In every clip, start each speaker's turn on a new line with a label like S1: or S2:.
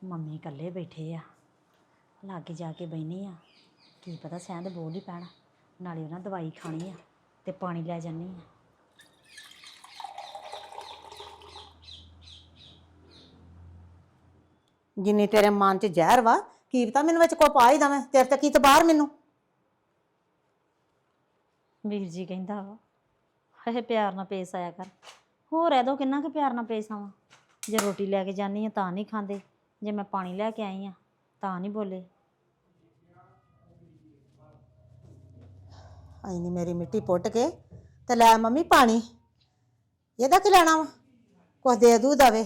S1: Mummy ਇਕੱਲੇ ਬੈਠੇ ਆ, ਲਾਗੇ ਜਾ ਕੇ ਬਹਿਨੀ ਆ। ਕੀ ਪਤਾ ਸਹਿੰਦ ਬੋਲ ਹੀ ਪੈਣਾ। ਨਾਲੇ ਉਹਨਾਂ ਦਵਾਈ ਖਾਣੀ ਆ ਤੇ ਪਾਣੀ ਲੈ ਜਾਨੀ ਆ।
S2: ਜਿੰਨੀ ਤੇਰੇ ਮਨ 'ਚ ਜ਼ਹਿਰ ਵਾ, ਕੀ ਪਤਾ ਮੈਨੂੰ ਵਿੱਚ ਕੋਈ ਪਾ ਹੀ ਦਵੇਂ। ਤੇਰੇ ਤੇ ਕੀ ਤਬਾਰ ਮੈਨੂੰ।
S1: ਵੀਰ ਜੀ ਕਹਿੰਦਾ ਵਾ ਹਏ ਪਿਆਰ ਨਾਲ ਪੇਸ਼ ਆਇਆ ਕਰ। ਹੋਰ ਐਦੋਂ ਕਿੰਨਾ ਕੁ ਪਿਆਰ ਨਾਲ ਪੇਸ਼ ਆਵਾਂ। ਜੇ ਰੋਟੀ ਲੈ ਕੇ ਜਾਨੀ ਆ ਤਾਂ ਨਹੀਂ ਖਾਂਦੇ, ਜੇ ਮੈਂ ਪਾਣੀ ਲੈ ਕੇ ਆਈ ਆ ਤਾਂ ਨਹੀਂ ਬੋਲੇ।
S2: ਐਨੀ ਮੇਰੀ ਮਿੱਟੀ ਪੁੱਟ ਕੇ ਤੇ ਲੈ ਮੰਮੀ ਪਾਣੀ। ਇਹਦਾ ਕੀ ਲੈਣਾ ਵਾ, ਕੁਛ ਦੇ ਦੂ ਦਵੇ।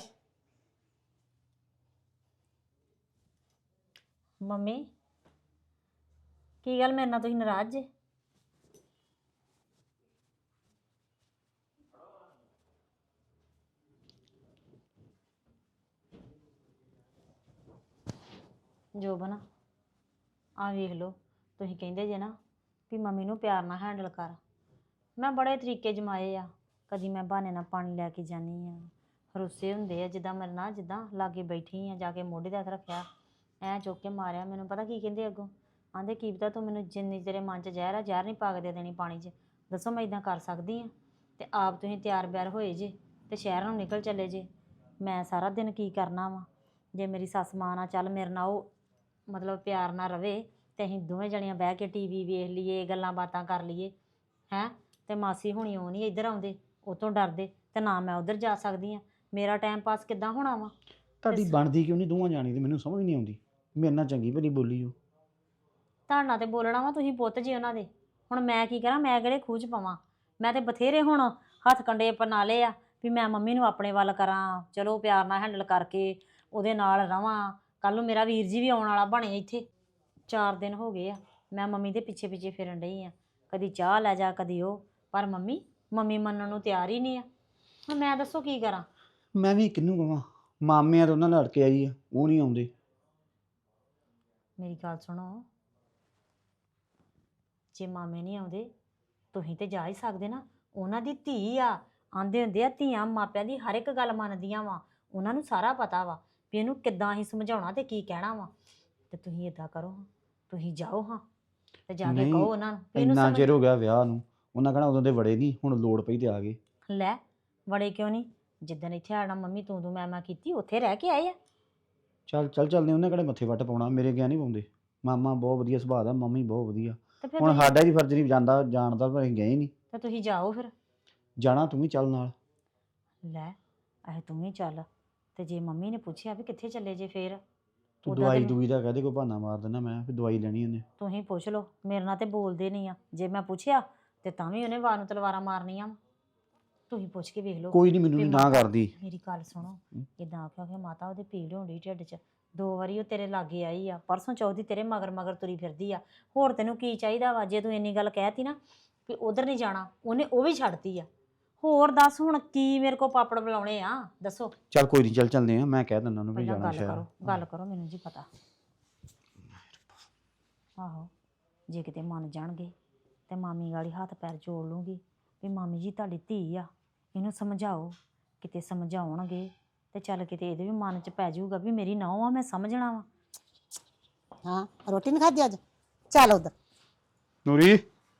S1: ਮੰਮੀ ਕੀ ਗੱਲ ਮੇਰੇ ਨਾਲ ਤੁਸੀਂ ਨਾਰਾਜ਼ ਜੇ? ਜੋਬਨ ਆ ਵੇਖ ਲਓ, ਤੁਸੀਂ ਕਹਿੰਦੇ ਜੇ ਨਾ ਵੀ ਮੰਮੀ ਨੂੰ ਪਿਆਰ ਨਾਲ ਹੈਂਡਲ ਕਰ। ਮੈਂ ਬੜੇ ਤਰੀਕੇ ਜਮਾਏ ਆ। ਕਦੀ ਮੈਂ ਬਹਾਨੇ ਨਾਲ ਪਾਣੀ ਲੈ ਕੇ ਜਾਨੀ ਆ, ਰੁੱਸੇ ਹੁੰਦੇ ਆ ਜਿੱਦਾਂ ਮੇਰੇ ਨਾਲ, ਜਿੱਦਾਂ ਲਾਗੇ ਬੈਠੀ ਆ, ਜਾ ਕੇ ਮੋਢੇ ਤੇ ਹੱਥ ਰੱਖਿਆ, ਐਂ ਚੁੱਕ ਕੇ ਮਾਰਿਆ। ਮੈਨੂੰ ਪਤਾ ਕੀ ਕਹਿੰਦੇ ਅੱਗੋਂ, ਆਂਦੇ ਕੀ ਪਤਾ ਤੂੰ ਮੈਨੂੰ ਜਿੰਨੀ ਤੇਰੇ ਮਨ 'ਚ ਜ਼ਹਿਰ ਆ, ਜ਼ਹਿਰ ਨਹੀਂ ਪਾ ਕੇ ਦੇ ਦੇਣੀ ਪਾਣੀ 'ਚ। ਦੱਸੋ ਮੈਂ ਇੱਦਾਂ ਕਰ ਸਕਦੀ ਹਾਂ? ਤੇ ਆਪ ਤੁਸੀਂ ਤਿਆਰ ਬਿਆਰ ਹੋਏ ਜੇ ਤੇ ਸ਼ਹਿਰ ਨੂੰ ਨਿਕਲ ਚੱਲੇ ਜੇ। ਮੈਂ ਸਾਰਾ ਦਿਨ ਕੀ ਕਰਨਾ ਵਾ? ਜੇ ਮੇਰੀ ਸੱਸ ਮਾਂ ਨਾਲ ਚੱਲ ਮੇਰੇ ਨਾਲ ਉਹ ਮਤਲਬ ਪਿਆਰ ਨਾਲ ਰਵੇ ਤੇ ਅਸੀਂ ਦੋਵੇਂ ਜਣੀਆਂ ਬਹਿ ਕੇ ਟੀਵੀ ਵੇਖ ਲਈਏ, ਗੱਲਾਂ ਬਾਤਾਂ ਕਰ ਲਈਏ ਹੈਂ। ਤੇ ਮਾਸੀ ਹੁਣੀ ਉਹ ਨਹੀਂ ਇੱਧਰ ਆਉਂਦੇ, ਉਹ ਤੋਂ ਡਰਦੇ, ਤੇ ਨਾ ਮੈਂ ਉੱਧਰ ਜਾ ਸਕਦੀ ਹਾਂ। ਮੇਰਾ ਟਾਈਮ ਪਾਸ ਕਿੱਦਾਂ ਹੋਣਾ ਵਾ?
S3: ਤੁਹਾਡੀ ਬਣਦੀ ਕਿਉਂ ਨਹੀਂ ਦੋਵਾਂ ਜਾਣੀ ਦੀ? ਮੈਨੂੰ ਸਮਝ ਨਹੀਂ ਆਉਂਦੀ। ਮੇਰੇ ਨਾਲ ਚੰਗੀ ਭਲੀ ਬੋਲੀ ਉਹ।
S1: ਤੁਹਾਡੇ ਨਾਲ ਤੇ ਬੋਲਣਾ ਵਾ, ਤੁਸੀਂ ਪੁੱਤ ਜੀ ਉਹਨਾਂ ਦੇ। ਹੁਣ ਮੈਂ ਕੀ ਕਰਾਂ? ਮੈਂ ਕਿਹੜੇ ਖੂਹ 'ਚ ਪਵਾਂ? ਮੈਂ ਤੇ ਬਥੇਰੇ ਹੁਣ ਹੱਥ ਕੰਡੇ ਅਪਣਾ ਲਏ ਆ ਵੀ ਮੈਂ ਮੰਮੀ ਨੂੰ ਆਪਣੇ ਵੱਲ ਕਰਾਂ, ਚਲੋ ਪਿਆਰ ਨਾਲ ਹੈਂਡਲ ਕਰਕੇ ਉਹਦੇ ਨਾਲ ਰਵਾਂ। ਕੱਲ੍ਹ ਨੂੰ ਮੇਰਾ ਵੀਰ ਜੀ ਵੀ ਆਉਣ ਵਾਲਾ ਬਣੇ ਇੱਥੇ। 4 ਦਿਨ ਹੋ ਗਏ ਆ ਮੈਂ ਮੰਮੀ ਦੇ ਪਿੱਛੇ ਪਿੱਛੇ ਫਿਰਨ ਡਈ ਆ, ਕਦੀ ਚਾਹ ਲੈ ਜਾ ਕਦੀ ਉਹ। ਪਰ ਮੰਮੀ ਮੰਨਣ ਨੂੰ ਤਿਆਰ ਹੀ ਨਹੀਂ ਆ। ਹੁਣ ਮੈਂ ਦੱਸੋ ਕੀ ਕਰਾਂ?
S3: ਮੈਂ ਵੀ ਕਿਹਨੂੰ ਕਹਾਂ? ਮਾਮਿਆਂ ਤੋਂ ਉਹਨਾਂ ਨਾਲ ਲੜ ਕੇ ਆਈ ਆ, ਉਹ ਨਹੀਂ ਆਉਂਦੇ।
S1: ਮੇਰੀ ਗੱਲ ਸੁਣੋ, ਜੇ ਮਾਮੇ ਨਹੀਂ ਆਉਂਦੇ ਤੁਸੀਂ ਤੇ ਜਾ ਹੀ ਸਕਦੇ ਨਾ। ਉਹਨਾਂ ਦੀ ਧੀ ਆ। ਆਂਦੇ ਹੁੰਦੇ ਆ ਧੀਆਂ ਮਾਪਿਆਂ ਦੀ ਹਰ ਇੱਕ ਗੱਲ ਮੰਨਦੀਆਂ ਵਾ। ਉਹਨਾਂ ਨੂੰ ਸਾਰਾ ਪਤਾ ਵਾ ਵੀ ਇਹਨੂੰ ਕਿੱਦਾਂ ਅਸੀਂ ਸਮਝਾਉਣਾ ਤੇ ਕੀ ਕਹਿਣਾ ਵਾ। ਤੇ ਤੁਸੀਂ ਇਦਾਂ ਕਰੋ, ਤੁਸੀਂ ਜਾਓ ਹਾਂ ਤੇ ਜਾ ਕੇ ਕਹੋ ਉਹਨਾਂ ਨੂੰ ਵੀ ਇਹਨੂੰ
S3: ਇੰਨਾ
S1: ਸਮਝ।
S3: ਚਿਰ ਹੋ ਗਿਆ ਵਿਆਹ ਨੂੰ, ਉਹਨਾਂ ਕਹਿਣਾ ਉਦੋਂ ਦੇ ਵੜੇ ਨਹੀਂ, ਹੁਣ ਲੋੜ ਪਈ ਤੇ ਆ ਗਏ।
S1: ਲੈ ਵੜੇ ਕਿਉਂ ਨਹੀਂ? ਜਿੱਦਣ ਇੱਥੇ ਆਣਾ ਮੰਮੀ ਤੂੰ ਮੈਂ ਕੀਤੀ, ਉੱਥੇ ਰਹਿ ਕੇ ਆਏ ਆ।
S3: ਚੱਲਦੇ। ਉਹਨੇ ਕਿਹੜੇ ਮੱਥੇ ਵੱਟ ਪਾਉਣਾ, ਮੇਰੇ ਗਿਆ ਨਹੀਂ ਪਾਉਂਦੇ। ਮਾਮਾ ਬਹੁਤ ਵਧੀਆ ਸੁਭਾਅ ਦਾ, ਮੰਮੀ ਬਹੁਤ ਵਧੀਆ।
S1: ਤੇ ਫਿਰ
S3: ਹੁਣ
S1: ਤੁਸੀਂ
S3: ਸਾਡਾ ਹੀ ਫਰਜ਼ ਨਹੀਂ ਜਾਣਦਾ, ਪਰ ਅਸੀਂ ਗਏ ਨਹੀਂ।
S1: ਤੇ ਤੁਸੀਂ ਜਾਓ ਫਿਰ।
S3: ਜਾਣਾ ਤੂੰ ਵੀ ਚੱਲ ਨਾਲ।
S1: ਲੈ ਇਹ ਤੂੰ ਵੀ ਚੱਲ। ਤੇ ਜੇ ਮੰਮੀ ਨੇ ਪੁੱਛਿਆ ਵੀ ਕਿੱਥੇ ਚੱਲੇ ਜੇ ਫੇਰ?
S3: ਤੂੰ
S1: ਉੱਦਾਂ ਤੇ
S3: ਦਵਾਈ ਦਾ ਕਹਦੇ ਕੋਈ ਬਹਾਨਾ ਮਾਰ ਦੇਣਾ, ਮੈਂ ਫਿਰ ਦਵਾਈ ਲੈਣੀ ਉਹਨੇ।
S1: ਤੁਸੀਂ ਪੁੱਛ ਲਓ, ਮੇਰੇ ਨਾਲ ਤੇ ਬੋਲਦੇ ਨਹੀਂ ਆ। ਜੇ ਮੈਂ ਪੁੱਛਿਆ ਤੇ ਤਾਂ ਵੀ ਉਹਨੇ ਵਾਰ ਨੂੰ ਤਲਵਾਰਾਂ ਮਾਰਨੀਆਂ ਵਾ। ਤੁਸੀਂ ਪੁੱਛ ਕੇ ਵੇਖ ਲਓ।
S3: ਕੋਈ ਨਹੀਂ, ਮੈਨੂੰ
S1: ਵੀ
S3: ਨਹੀਂ ਨਾ
S1: ਮਾਤਾ,
S3: ਕਰਦੀ।
S1: ਮੇਰੀ ਗੱਲ ਸੁਣੋ, ਇਦਾਂ ਆਖਿਆ ਕਿ ਮਾਤਾ ਉਹਦੇ ਪੀੜ ਹੋਣੀ ਢਿੱਡ 'ਚ। 2 ਵਾਰੀ ਉਹ ਤੇਰੇ ਲਾਗੇ ਆਈ ਆ, ਪਰਸੋਂ ਚੌਥੀ ਤੇਰੇ ਮਗਰ ਤੁਰੀ ਫਿਰਦੀ ਆ। ਹੋਰ ਤੈਨੂੰ ਕੀ ਚਾਹੀਦਾ ਵਾ? ਜੇ ਤੂੰ ਇੰਨੀ ਗੱਲ ਕਹਿਤੀ ਨਾ ਵੀ ਉਧਰ ਨਹੀਂ ਜਾਣਾ, ਉਹਨੇ ਉਹ ਵੀ ਛੱਡਤੀ ਆ। ਹੋਰ ਦੱਸ ਹੁਣ ਕੀ ਮੇਰੇ ਕੋ ਪਾਪੜ ਬੁਲਾਉਣੇ ਆ? ਦੱਸੋ।
S3: ਚੱਲ ਕੋਈ ਨਹੀਂ, ਚੱਲਦੇ ਆ। ਮੈਂ ਕਹਿ ਦਿੰਦਾ ਉਹਨੂੰ ਵੀ
S1: ਪਹਿਲਾਂ
S3: ਜਾਣਾ ਸ਼ਹਿਰ।
S1: ਗੱਲ ਕਰੋ, ਮੈਨੂੰ ਜੀ ਪਤਾ। ਆਹੋ ਜੇ ਕਿਤੇ ਮੰਨ ਜਾਣਗੇ ਤੇ ਮਾਮੀ ਗਾੜੀ ਹੱਥ ਪੈਰ ਜੋੜ ਲੂੰਗੀ ਵੀ ਮਾਮੀ ਜੀ ਤੁਹਾਡੀ ਧੀ ਆ, ਇਹਨੂੰ ਸਮਝਾਓ। ਕਿਤੇ ਸਮਝਾਉਣਗੇ ਤੇ ਚੱਲ ਕਿਤੇ ਇਹਦੇ ਵੀ ਮਨ 'ਚ ਪੈ ਜਾਊਗਾ ਵੀ ਮੇਰੀ ਨਹੁੰ ਆ, ਮੈਂ ਸਮਝਣਾ ਵਾ।
S2: ਹਾਂ ਰੋਟੀ ਨਹੀਂ ਖਾਧੀ ਅੱਜ? ਚੱਲ ਉਧਰ।
S3: ਨੂਰੀ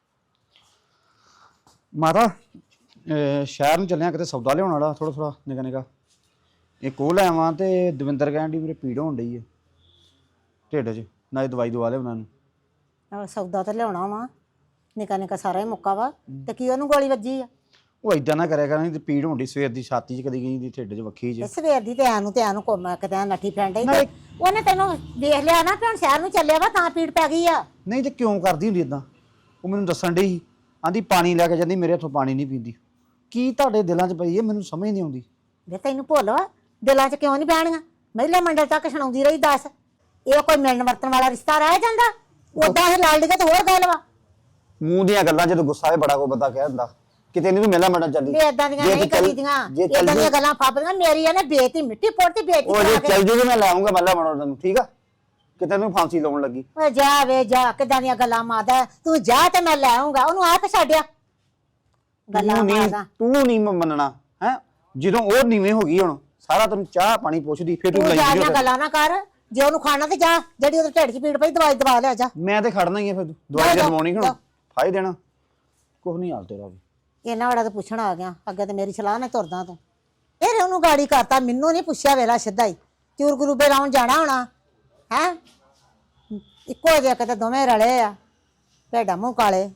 S3: ਮਾਤਾ, ਸ਼ਹਿਰ ਨੂੰ ਚੱਲਿਆ, ਕਿਤੇ ਸੌਦਾ ਲਿਆਉਣ ਵਾਲਾ ਥੋੜਾ ਨਿੱਕਾ। ਇੱਕ ਉਹ ਲੈ ਆਵਾਂ ਤੇ ਦਵਿੰਦਰ ਕਹਿਣ ਦੀ ਮੇਰੇ ਪੀੜ ਹੋਣ ਡਈ ਹੈ ਢਿੱਡ 'ਚ, ਨਾਲੇ ਦਵਾਈ ਦਵਾ ਲਿਆ ਉਹਨਾਂ ਨੂੰ।
S2: ਸੌਦਾ ਤਾਂ ਲਿਆਉਣਾ ਵਾ, ਨਿੱਕਾ ਸਾਰਾ ਹੀ ਮੁੱਕਾ ਵਾ। ਤੇ ਕੀ ਉਹਨੂੰ ਗੋਲੀ ਵੱਜੀ ਆ?
S3: ਉਹ ਏਦਾਂ ਨਾ ਕਰਿਆ ਕਰਾਂ, ਤੇ ਪੀੜ ਹੋਣ ਡਈ ਸਵੇਰ ਦੀ, ਛਾਤੀ 'ਚ ਕਦੀ ਗਈ ਦੀ, ਢਿੱਡ 'ਚ ਵੱਖੀ 'ਚ।
S2: ਸਵੇਰ ਦੀ ਤੇ ਐਨੂੰ ਘੁੰਮ ਕਿਤੇ ਨੱਠੀ ਫਿਰਨ ਡਈ। ਉਹਨੇ ਤੈਨੂੰ ਵੇਖ ਲਿਆ ਨਾ ਕਿ ਹੁਣ ਸ਼ਹਿਰ ਨੂੰ ਚੱਲਿਆ ਵਾ, ਤਾਂ ਪੀੜ ਪੈ ਗਈ ਆ।
S3: ਨਹੀਂ ਤੇ ਕਿਉਂ ਕਰਦੀ ਹੁੰਦੀ ਏਦਾਂ? ਉਹ ਮੈਨੂੰ ਦੱਸਣ ਡਈ ਸੀ, ਆਂਦੀ ਪਾਣੀ ਲੈ ਕੇ ਜਾਂਦੀ, ਮੇਰੇ ਹੱਥੋਂ ਪਾਣੀ ਨਹੀਂ ਪੀਂਦੀ। ਕੀ ਤੁਹਾਡੇ ਦਿਲਾਂ 'ਚ ਪਈ ਹੈ, ਮੈਨੂੰ ਸਮਝ ਨਹੀਂ ਆਉਂਦੀ।
S2: ਵੇ ਤੈਨੂੰ ਭੁੱਲ ਵਾ, ਦਿਲਾਂ 'ਚ ਕਿਉਂ ਨਹੀਂ ਬਹਿਣੀਆਂ? ਮਹਿਲਾ ਮੰਡਲ ਤੱਕ ਸੁਣਾਉਂਦੀ ਰਹੀ। ਦੱਸ ਇਹ ਕੋਈ ਮਿਲਣ ਵਰਤਣ ਵਾਲਾ ਰਿਸ਼ਤਾ ਰਹਿ ਜਾਂਦਾ? ਉਦਾਂ ਇਹ ਲੜ ਲਈਏ ਤੇ ਹੋਰ ਗੱਲ ਵਾ।
S3: ਮੂੰਹ ਦੀਆਂ ਗੱਲਾਂ, ਜਦੋਂ ਗੁੱਸਾ ਹੈ ਬੜਾ ਕੋ ਬੰਦਾ ਕਹਿ ਦਿੰਦਾ। ਕਿਤੇ ਨਹੀਂ ਤੂੰ ਮੇਲਾ ਮੰਡਲ ਚੱਲੀ।
S2: ਵੀ ਏਦਾਂ ਦੀਆਂ ਨਹੀਂ ਕਰੀਦੀਆਂ, ਏਦਾਂ ਦੀਆਂ ਗੱਲਾਂ ਫਾਪਦੀਆਂ। ਮੇਰੀ ਇਹਨੇ ਬੇਇੱਜ਼ਤੀ ਮਿੱਟੀ ਪੁੱਟਦੀ, ਬੇਇੱਜ਼ਤੀ
S3: ਉਹ ਜੇ
S2: ਕਰਾ ਕੇ।
S3: ਚੱਲ ਜੂਗੀ ਮੈਂ ਲੈ ਆਉਂਗਾ ਮੇਲਾ ਮੰਡਲ ਤੈਨੂੰ, ਠੀਕ ਆ? ਕਿਤੇ ਨੂੰ ਫਾਂਸੀ ਲਾਉਣ ਲੱਗੀ।
S2: ਓਏ ਜਾ ਵੇ ਜਾ, ਕਿੱਦਾਂ ਦੀਆਂ ਗੱਲਾਂ ਮਾਰਦਾ ਤੂੰ। ਜਾ ਤੇ ਮੈਂ ਲੈ ਆਉਂਗਾ ਉਹਨੂੰ, ਆਪ ਛੱਡਿਆ ਗੱਲਾਂ ਮਾਰਦਾ।
S3: ਤੂੰ ਨਹੀਂ ਮੰਨਣਾ ਹੈ? ਜਦੋਂ ਉਹ ਨੀਵੇਂ ਹੋ ਗਈ ਹੁਣ ਸਾਰਾ ਤੈਨੂੰ ਚਾਹ ਪਾਣੀ ਪੁੱਛਦੀ ਫਿਰ ਤੂੰ
S2: ਤੂੰ
S3: ਲਈ
S2: ਜਾ
S3: ਜਾਂਦੀ
S2: ਗੱਲਾਂ ਨਾ ਕਰ, ਜੇ ਉਹਨੂੰ ਖਾਣਾ ਤੇ ਜਾ, ਜਿਹੜੀ ਉਹਦੇ ਢਿੱਡ 'ਚ ਪੀੜ ਪਈ ਦਵਾਈ ਦਵਾ ਲਿਆ ਜਾ।
S3: ਮੈਂ ਤੇ ਖੜਨਾ ਹੀ ਆ ਫਿਰ ਦਵਾਈ ਦਵਾਉਣੀ ਹੁਣ ਫਾਇ ਦੇਣਾ ਕੁਛ ਨਹੀਂ ਹਾਲ ਤੇਰਾ ਵੀ।
S2: ਇਹਨਾਂ ਵਾਲਾ ਤਾਂ ਪੁੱਛਣ ਆ ਗਿਆ, ਅੱਗੇ ਤੇ ਮੇਰੀ ਸਲਾਹ ਨਾਲ ਤੁਰਦਾ ਤੂੰ। ਫਿਰ ਉਹਨੂੰ ਗਾੜੀ ਕਰਤਾ, ਮੈਨੂੰ ਨਹੀਂ ਪੁੱਛਿਆ ਵੇਲਾ ਸਿੱਧਾ ਹੀ ਚੂਰ ਗਰੂਬੇ ਲਾਉਣ ਜਾਣਾ ਹੋਣਾ ਹੈ। ਇੱਕੋ ਜਿਹੇ ਕਿਤੇ ਦੋਵੇਂ ਰਲੇ ਆ, ਭੇਡਾਂ ਮੂੰਹ ਕਾਲੇ।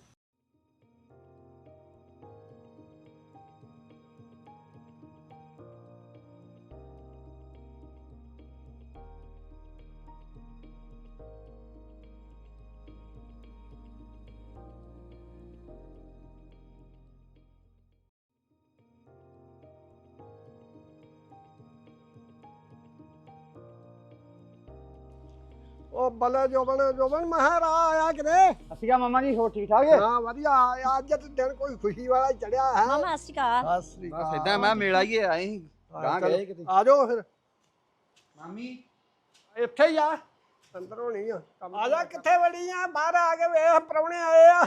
S4: ਉਹ ਬੱਲੇ ਜੋਬਨ ਮਹਾਰਾ ਆਇਆ ਕਿਤੇ।
S3: ਅਸੀਂ ਆ ਮਾਮਾ ਜੀ ਹੋਰ ਠੀਕ ਠਾਕ ਹੈ?
S4: ਹਾਂ ਵਧੀਆ ਆਇਆ, ਅੱਜ ਤੇ ਦਿਨ ਕੋਈ ਖੁਸ਼ੀ ਵਾਲਾ ਚੜਿਆ ਹੈ।
S1: ਮਾਮਾ ਸਤਿ ਸ਼੍ਰੀ ਅਕਾਲ।
S4: ਸਤਿ ਸ੍ਰੀ
S3: ਬਸ ਇਦਾਂ ਮੈਂ ਮੇਲ ਆਈਏ ਆਏ ਸੀ ਗਾਂ ਗਏ ਕਿਤੇ।
S4: ਆ ਜਾਓ ਫਿਰ,
S3: ਮਾਮੀ
S4: ਇੱਥੇ ਹੀ ਆ, ਅੰਦਰ ਹੋਣੀ ਆ। ਆ ਜਾ, ਕਿੱਥੇ ਵੜੀ ਆ? ਬਾਹਰ ਆ ਕੇ ਵੇਖ, ਪ੍ਰਾਹੁਣੇ ਆਏ ਆ।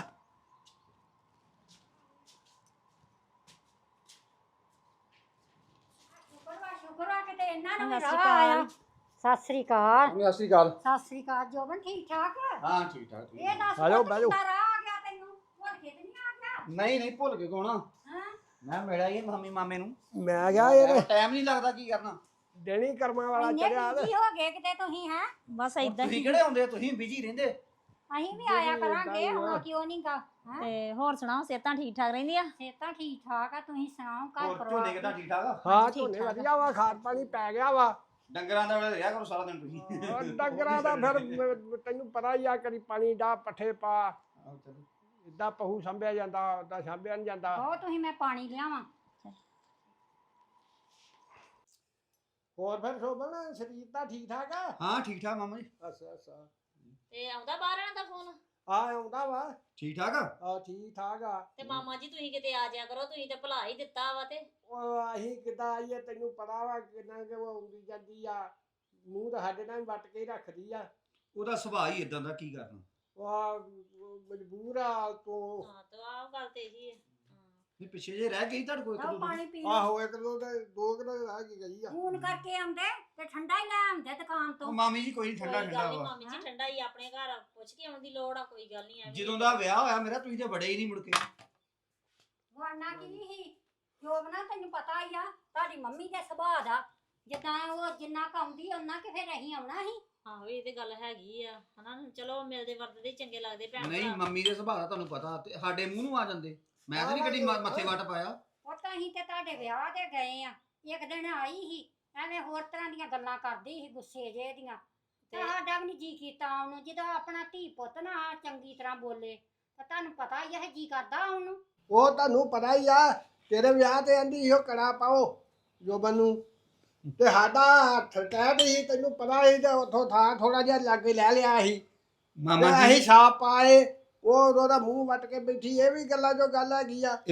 S5: ਸਤਿ ਸ੍ਰੀ ਅਕਾਲ।
S3: ਸਤਿ ਸ਼੍ਰੀ ਅਕਾਲ।
S5: ਸਤਿ ਸ੍ਰੀ ਅਕਾਲ ਜੋਬਨ, ਠੀਕ ਠਾਕ?
S3: ਹਾਂ ਠੀਕ ਠਾਕ ਠੀਕ।
S5: ਇਹ ਦੱਸ
S4: ਆ ਜਾਓ,
S5: ਪੁੱਤ
S4: ਬਹਿ ਜਾਓ।
S5: ਕਿੱਦਾਂ ਰਾਹ ਆ ਗਿਆ ਤੈਨੂੰ? ਭੁੱਲ ਕੇ ਤੇ ਨਹੀਂ ਆ ਗਿਆ?
S3: ਨਹੀਂ ਭੁੱਲ ਕੇ ਕੋਣਾ
S5: ਹਾਂ
S3: ਮੈਂ ਮਿਲਿਆ ਹੀ ਮਾਮੀ ਮਾਮੇ ਨੂੰ।
S4: ਮੈਂ ਗਿਆ ਇਹ
S3: ਟਾਈਮ ਨਹੀਂ ਲੱਗਦਾ ਕੀ ਕਰਨਾ।
S4: ਦਿਨ ਹੀ ਕਰਮਾਂ ਵਾਲਾ
S5: ਇੰਨੇ
S4: ਚੜਿਆ।
S5: ਬਿਜੀ ਹੋ ਗਏ ਕਿਤੇ ਤੁਸੀਂ? ਹੈ
S1: ਬਸ ਇਦਾਂ
S3: ਤੁਸੀਂ
S1: ਹੀ।
S3: ਕਿਹੜੇ ਆਉਂਦੇ ਤੁਸੀਂ ਬਿਜੀ ਰਹਿੰਦੇ।
S5: ਅਸੀਂ ਵੀ ਆਇਆ ਕਰਾਂਗੇ, ਹੁਣ ਕਿਉਂ ਨਹੀਂ ਗਾ? ਹੈ
S1: ਤੇ ਹੋਰ ਸੁਣਾਓ, ਸਿਹਤਾਂ ਠੀਕ ਠਾਕ ਰਹਿੰਦੀਆਂ?
S5: ਸਿਹਤਾਂ ਠੀਕ ਠਾਕ ਆ, ਤੁਸੀਂ ਸੁਣਾਓ ਘਰ
S3: ਹੋਰ
S5: ਪਰਿਵਾਰ?
S3: ਝੋਨੇ ਕਿਦਾਂ ਠੀਕ ਠਾਕ ਆ?
S4: ਹਾਂ
S1: ਠੀਕ
S4: ਝੋਨੇ
S1: ਠਾਕ ਆ।
S4: ਵਧੀਆ ਵਾ, ਖਾਦ ਪਾਣੀ ਪੈ ਗਿਆ ਵਾ।
S3: ਡੰਗਰਾਂ ਦਾ ਵੇਲੇ ਰਿਹਾ ਕਰੋ ਸਾਰਾ ਦਿਨ ਤੁਸੀਂ।
S4: ਉਹ ਡੰਗਰਾਂ ਦਾ ਫਿਰ ਤੈਨੂੰ ਪਤਾ ਹੀ ਆ, ਕਦੀ ਪਾਣੀ ਦਾ ਪੱਠੇ ਪਾ, ਇਦਾਂ ਪਹੂ ਸੰਭਿਆ ਜਾਂਦਾ, ਉਦਾਂ ਸੰਭਿਆ ਨਹੀਂ ਜਾਂਦਾ।
S5: ਬਹੁਤ ਤੁਸੀਂ, ਮੈਂ ਪਾਣੀ ਲਿਆਵਾਂ।
S4: ਹੋਰ ਫਿਰ ਸ਼ੋਭਨ, ਸਰੀਰ ਤਾਂ ਠੀਕ ਠਾਕ ਆ?
S3: ਹਾਂ ਠੀਕ ਠਾਕ ਮਾਮਾ ਜੀ।
S4: ਅੱਛਾ
S1: ਤੇ ਆਉਂਦਾ ਬਾਹਰਾਂ ਦਾ ਫੋਨ?
S4: ਆ ਆਉਂਦਾ ਵਾ।
S3: ਠੀਕ ਠਾਕ ਆ।
S4: ਆ ਠੀਕ ਠਾਕ ਆ।
S1: ਤੇ ਮਾਮਾ ਜੀ ਤੁਸੀਂ ਕਿਤੇ ਆ ਜਾਇਆ ਕਰੋ, ਤੁਸੀਂ ਤੇ ਭੁਲਾ ਹੀ ਦਿੱਤਾ ਵਾ। ਤੇ
S4: ਉਹ ਅਸੀਂ ਕਿੱਦਾਂ ਆਈਏ, ਤੈਨੂੰ ਪਤਾ ਵਾ ਕਿੰਨਾ ਕਿ ਉਹ ਆਉਂਦੀ ਜਾਂਦੀ ਆ, ਮੂੰਹ ਤਾਂ ਸਾਡੇ ਨਾਲ ਹੀ ਵੱਟ ਕੇ ਹੀ ਰੱਖਦੀ ਆ।
S3: ਉਹਦਾ ਸੁਭਾਅ ਹੀ ਇਦਾਂ ਦਾ, ਕੀ ਕਰਨਾ।
S4: ਉਹ ਮਜਬੂਰ ਆ ਤੋਂ।
S1: ਹਾਂ ਤੇ ਆਹ ਗੱਲ ਤੇ ਇਹੀ ਹੈ।
S3: ਨਹੀਂ ਪਿੱਛੇ ਜੇ ਰਹਿ ਗਈ ਤੁਹਾਡੇ ਕੋਲ ਇੱਕ
S5: ਆਓ
S3: ਦੋ
S5: ਪਾਣੀ ਪੀ ਲਓ।
S4: ਆਹੋ ਇੱਕ ਦੋ ਕਿਲੋ ਰਹਿ ਗਈ ਆ।
S5: ਫੋਨ ਕਰਕੇ ਆਉਂਦੇ ਤੇ ਠੰਡਾ ਹੀ ਲੈ ਆਉਂਦੇ ਦੁਕਾਨ
S3: ਉਹ
S5: ਤੋਂ।
S3: ਮਾਮੀ ਜੀ ਕੋਈ ਨੀ, ਠੰਡਾ
S1: ਕੋਈ ਗੱਲ
S3: ਠੰਡਾ
S1: ਨੀ
S3: ਵਾ।
S1: ਮਾਮੀ ਜੀ, ਠੰਡਾ ਹੀ ਆਪਣੇ ਘਰ ਪੁੱਛ ਕੇ ਆਉਣ ਦੀ ਲੋੜ ਆ, ਕੋਈ ਗੱਲ ਨਹੀਂ।
S3: ਜਦੋਂ ਦਾ ਵਿਆਹ ਹੋਇਆ ਮੇਰਾ ਤੁਸੀਂ ਤੇ ਬੜੇ ਹੀ ਨਹੀਂ ਮੁੜ ਕੇ।
S5: ਵਰਨਾ ਕੀ ਸੀ ਜੋਬਨਾ, ਤੈਨੂੰ ਪਤਾ ਹੀ ਆ ਤੁਹਾਡੀ ਮੰਮੀ ਦੇ ਸੁਭਾਅ ਦਾ, ਜਿੱਦਾਂ ਉਹ ਜਿੰਨਾ ਕਾਉਂਦੀ ਉਹਨਾਂ ਕਿ ਫਿਰ ਅਸੀਂ ਆਉਣਾ ਸੀ।
S1: ਆਹੋ ਇਹ ਤੇ ਗੱਲ ਹੈਗੀ ਆ ਹਨਾ। ਚਲੋ ਮਿਲਦੇ ਵਰਤਦੇ ਹੀ ਚੰਗੇ ਲੱਗਦੇ ਭੈਣ
S3: ਨਹੀਂ
S1: ਭਰਾ।
S3: ਮੰਮੀ ਦੇ ਸੁਭਾਅ ਦਾ ਤੁਹਾਨੂੰ ਪਤਾ, ਤੇ ਸਾਡੇ ਮੂੰਹ ਨੂੰ ਆ ਜਾਂਦੇ। ਮੈਂ ਤਾਂ ਨਹੀਂ ਕਦੀ ਮੱਥੇ ਵੱਟ ਪਾਇਆ।
S5: ਉਹ ਤਾਂ ਅਸੀਂ ਤੇ ਤੁਹਾਡੇ ਵਿਆਹ ਤੇ ਗਏ ਆ, ਇੱਕ ਦਿਨ ਆਈ ਸੀ ਐਵੇਂ ਹੋਰ ਤਰ੍ਹਾਂ ਦੀਆਂ ਗੱਲਾਂ ਕਰਦੀ ਸੀ, ਗੁੱਸੇ ਜੇ ਦੀਆਂ, ਤੇ ਸਾਡਾ ਵੀ ਨਹੀਂ ਜੀ ਕੀਤਾ ਉਹਨੂੰ। ਜਦੋਂ ਆਪਣਾ ਧੀ ਪੁੱਤ ਨਾ ਚੰਗੀ ਤਰ੍ਹਾਂ ਬੋਲੇ ਤਾਂ ਤੁਹਾਨੂੰ ਪਤਾ ਹੀ ਹੈ ਜੀ ਕਰਦਾ ਉਹਨੂੰ।
S4: ਉਹ ਤੁਹਾਨੂੰ ਪਤਾ ਹੀ ਆ, ਤੇਰੇ ਵਿਆਹ ਤੇ ਆਂਦੀ ਇਹੋ ਕੜਾ ਪਾਓ ਜੋਬਨ ਨੂੰ, ਤੇ ਸਾਡਾ ਹੱਥ ਕਹਿ ਸੀ, ਤੈਨੂੰ ਪਤਾ ਹੀ, ਤੇ ਉੱਥੋਂ ਥਾਂ ਥੋੜਾ ਜਿਹਾ ਲਾਗੇ ਲੈ ਲਿਆ ਸੀ।
S3: ਮਾਮਾ
S4: ਤੇ ਅਸੀਂ
S3: ਜੀ
S4: ਛਾਪ ਪਾਏ, ਉਹ ਉਹਦਾ ਮੂੰਹ ਵੱਟ ਕੇ ਬੈਠੀ। ਇਹ ਵੀ ਗੱਲਾਂ ਜੋ ਗੱਲ ਹੈਗੀ ਆ।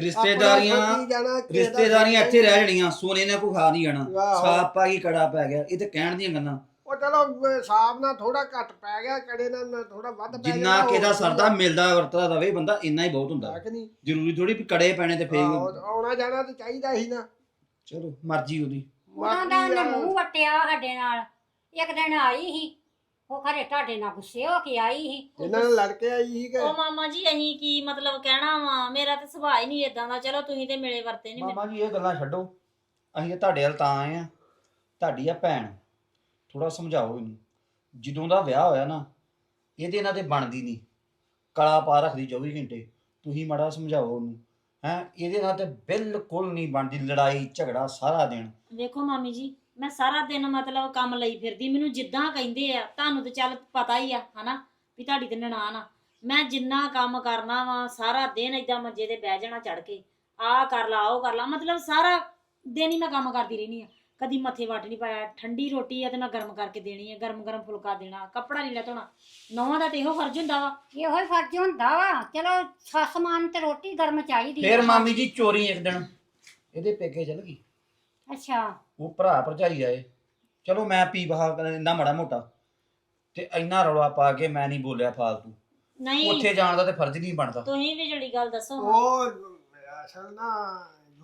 S3: ਰਿਸ਼ਤੇਦਾਰੀਆਂ ਇੱਥੇ ਰਹਿ ਜਣੀਆਂ, ਸੋਨੇ ਨੇ ਕੋਈ ਖਾ ਨਹੀਂ ਜਾਣਾ।
S4: ਆਹੋ।
S3: ਸਾਪ ਪਾ ਗਈ ਕੜਾ ਪੈ ਗਿਆ, ਇਹ ਤੇ ਕਹਿਣ ਦੀਆਂ ਗੱਲਾਂ।
S4: ਉਹ ਚਲੋ ਸਾਬ ਨਾਲ ਥੋੜਾ ਘੱਟ ਪੈ ਗਿਆ, ਕੜੇ ਨਾਲ ਥੋੜਾ ਵੱਧ ਪੈ ਗਿਆ।
S3: ਜਿੰਨਾ ਕਿਹਦਾ ਸਰਦਾ ਮਿਲਦਾ ਵਰਤਦਾ ਰਵੇ ਬੰਦਾ, ਇੰਨਾ ਹੀ ਬਹੁਤ ਹੁੰਦਾ।
S4: ਨਹੀਂ
S3: ਜ਼ਰੂਰੀ ਥੋੜੀ ਵੀ ਕੜੇ ਪੈਣੇ ਤੇ ਫੇਰ।
S4: ਆਉਣਾ ਜਾਣਾ ਤੇ ਚਾਹੀਦਾ ਸੀ ਨਾ।
S3: ਚਲੋ ਮਰਜ਼ੀ ਉਹਦੀ।
S5: ਉਹਨਾਂ ਦਾ ਉਹਨੇ ਮੂੰਹ ਵਟਿਆ ਸਾਡੇ ਨਾਲ। ਇੱਕ ਦਿਨ ਆਈ ਸੀ, ਉਹ ਖਰੇ ਤੁਹਾਡੇ ਨਾਲ ਗੁੱਸੇ ਹੋ ਕੇ ਆਈ ਸੀ।
S4: ਇਹਨਾਂ ਨਾਲ ਲੜ ਕੇ ਆਈ ਸੀ ਕਿ
S1: ਉਹ ਮਾਮਾ ਜੀ ਅਸੀਂ ਕੀ ਮਤਲਬ ਕਹਿਣਾ ਵਾ, ਮੇਰਾ ਤੇ ਸੁਭਾਅ ਹੀ ਨਹੀਂ ਇਦਾਂ ਦਾ। ਚਲੋ ਤੁਸੀਂ ਤੇ ਮਿਲੇ ਵਰਤੇ ਨਹੀਂ।
S3: ਮਾਮਾ ਜੀ ਇਹ ਗੱਲਾਂ ਛੱਡੋ, ਅਸੀਂ ਤੁਹਾਡੇ ਵੱਲ ਤਾਂ ਆਏ ਆ। ਤੁਹਾਡੀ ਆ ਭੈਣ, ਥੋੜਾ ਸਮਝਾਓ ਇਹਨੂੰ। ਜਦੋਂ ਦਾ ਵਿਆਹ ਹੋਇਆ ਨਾ, ਇਹਦੇ ਇਹਨਾਂ ਤੇ ਬਣਦੀ ਨਹੀਂ, ਕਲਾ ਪਾ ਰੱਖਦੀ 24 ਘੰਟੇ। ਤੁਸੀਂ ਮਾੜਾ ਸਮਝਾਓ ਉਹਨੂੰ। ਇਹਦੇ ਨਾਲ ਤੇ ਬਿਲਕੁਲ ਨਹੀਂ ਬਣਦੀ, ਲੜਾਈ ਝਗੜਾ ਸਾਰਾ ਦਿਨ।
S1: ਵੇਖੋ ਮਾਮੀ ਜੀ, ਮੈਂ ਸਾਰਾ ਦਿਨ ਮਤਲਬ ਕੰਮ ਲਈ ਫਿਰਦੀ, ਮੈਨੂੰ ਜਿੱਦਾਂ ਕਹਿੰਦੇ ਆ, ਤੁਹਾਨੂੰ ਤੇ ਚੱਲ ਪਤਾ ਹੀ ਆ ਹਨਾ ਵੀ ਤੁਹਾਡੀ ਤੇ ਨਨਾਣ ਆ। ਮੈਂ ਜਿੰਨਾ ਕੰਮ ਕਰਨਾ ਵਾ ਸਾਰਾ ਦਿਨ ਏਦਾਂ ਮੰਜੇ ਤੇ ਬਹਿ ਜਾਣਾ ਚੜ ਕੇ, ਆਹ ਕਰ ਲਾ ਉਹ ਕਰ ਲਾ, ਮਤਲਬ ਸਾਰਾ ਦਿਨ ਹੀ ਮੈਂ ਕੰਮ ਕਰਦੀ ਰਹਿੰਦੀ ਆ। ਕਦੀ ਮੱਥੇ ਵੱਟ ਨਹੀਂ ਪਾਇਆ। ਠੰਡੀ ਰੋਟੀ ਆ ਤੇ ਮੈਂ ਗਰਮ ਕਰਕੇ ਦੇਣੀ ਆ, ਗਰਮ ਗਰਮ ਫੁਲਕਾ ਦੇਣਾ, ਕੱਪੜਾ ਲੀੜਾ ਧੋਣਾ। ਨੌਵਾਂ ਦਾ ਤੇ ਇਹੋ ਫਰਜ਼ ਹੁੰਦਾ ਵਾ।
S5: ਇਹੋ ਹੀ ਫਰਜ਼ ਹੁੰਦਾ ਵਾ। ਚਲੋ ਸੱਸ ਮਾਨ ਤੇ ਰੋਟੀ ਗਰਮ ਚਾਹੀਦੀ
S3: ਫੇਰ ਮਾਮੀ ਜੀ ਚੋਰੀ ਇੱਕ ਦਿਨ ਇਹਦੇ ਪੇਕੇ ਚਲ ਗਈ।
S5: ਅੱਛਾ
S3: ਉਹ ਭਰਾ ਭਰਜਾਈ ਆਏ, ਚਲੋ ਮੈਂ ਪੀ ਬਹਾ ਇੰਨਾ ਮਾੜਾ ਮੋਟਾ, ਤੇ ਇੰਨਾ ਰੌਲਾ ਪਾ ਕੇ ਮੈਂ ਨਹੀਂ ਬੋਲਿਆ ਫਾਲਤੂ।
S1: ਨਹੀਂ
S3: ਉੱਥੇ ਜਾਣ ਦਾ ਤੇ ਫਰਜ਼ ਨਹੀਂ ਬਣਦਾ।
S1: ਤੁਸੀਂ ਵੀ ਜਿਹੜੀ ਗੱਲ ਦੱਸੋ।
S4: ਉਹ ਅਸਲ ਨਾ ਜੋਬਣਾ